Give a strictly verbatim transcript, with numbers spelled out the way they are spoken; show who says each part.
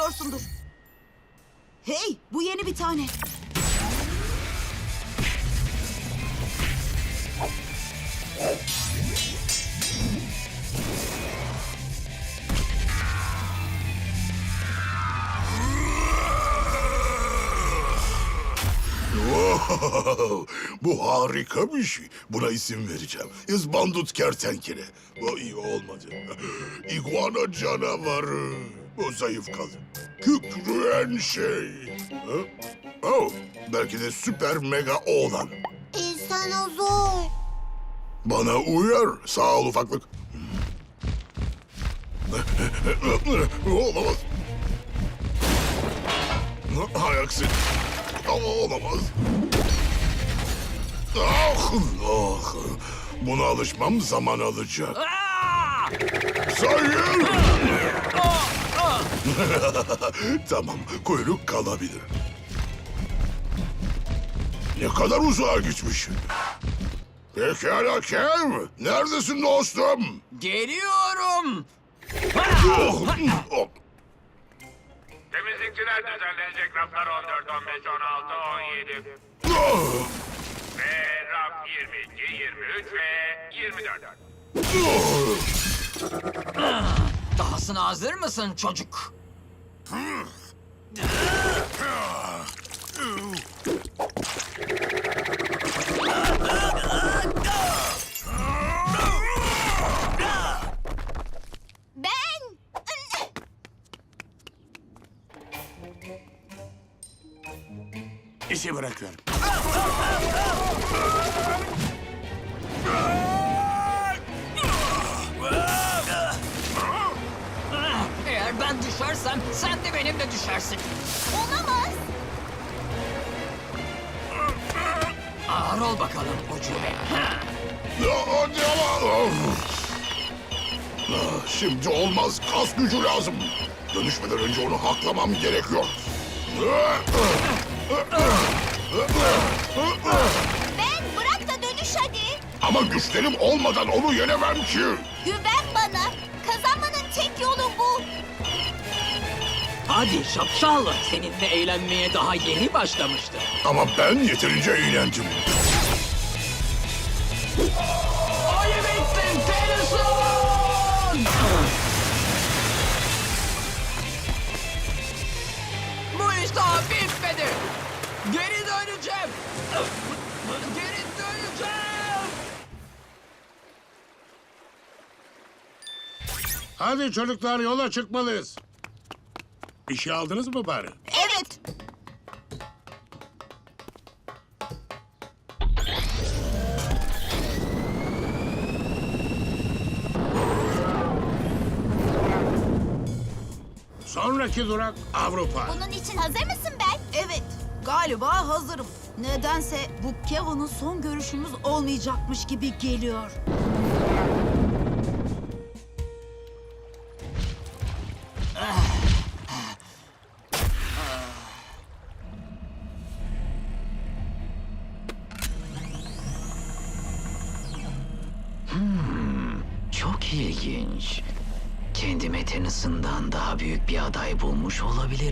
Speaker 1: istiyorsundur. Hey, bu yeni bir tane.
Speaker 2: Wow, bu harika bir şey. Buna isim vereceğim. İzbandut kertenkele. Bu iyi olmadı. İguana canavarı. Bu zayıf kaldı. Kükreyen şey. Ha? Oh, belki de süper mega oğlan.
Speaker 3: İnsanozor.
Speaker 2: Bana uyar. Sağ ol ufaklık. Olamaz. Hay aksi. Ama olamaz. Ah, ah. Buna alışmam zaman alacak. Sayın! Tamam, kuyruk kalabilir. Ne kadar uzağa gitmiş. Pekala Kev, neredesin dostum?
Speaker 4: Geliyorum.
Speaker 2: Oh, oh.
Speaker 5: Temizlikçiler düzenlenecek raflar on dört, on beş, on altı, on yedi.
Speaker 2: Ah,
Speaker 5: Ve raf yirmi iki, yirmi üç ve yirmi dört.
Speaker 2: ah.
Speaker 4: Dahasına hazır mısın çocuk?
Speaker 3: Ben.
Speaker 2: İşi bırakıyorum.
Speaker 4: Eğer ben düşersem sen de benimle düşersin.
Speaker 3: Olamaz.
Speaker 4: Ağır ol bakalım ucube.
Speaker 2: Ya, hadi ama. Of. Ah, şimdi olmaz. Kas gücü lazım. Dönüşmeden önce onu haklamam gerekiyor.
Speaker 3: Ben bırak da dönüş hadi.
Speaker 2: Ama güçlerim olmadan onu yenemem ki.
Speaker 3: Güven bana. Kazanmanın tek yolu bu.
Speaker 6: Hadi şapşal, seninle eğlenmeye daha yeni başlamıştı.
Speaker 2: Ama ben yeterince eğlendim.
Speaker 4: Ayı bitsin Tennyson! Bu iş daha bitmedi. Geri döneceğim. Geri döneceğim.
Speaker 7: Hadi çocuklar yola çıkmalıyız. Bir şey aldınız mı bari?
Speaker 3: Evet.
Speaker 7: Sonraki durak Avrupa.
Speaker 3: Bunun için hazır mısın ben?
Speaker 1: Evet, galiba hazırım. Nedense bu Kevin'ın son görüşümüz olmayacakmış gibi geliyor.
Speaker 6: Çok ilginç. Kendime Tennyson'dan daha büyük bir aday bulmuş olabilirim.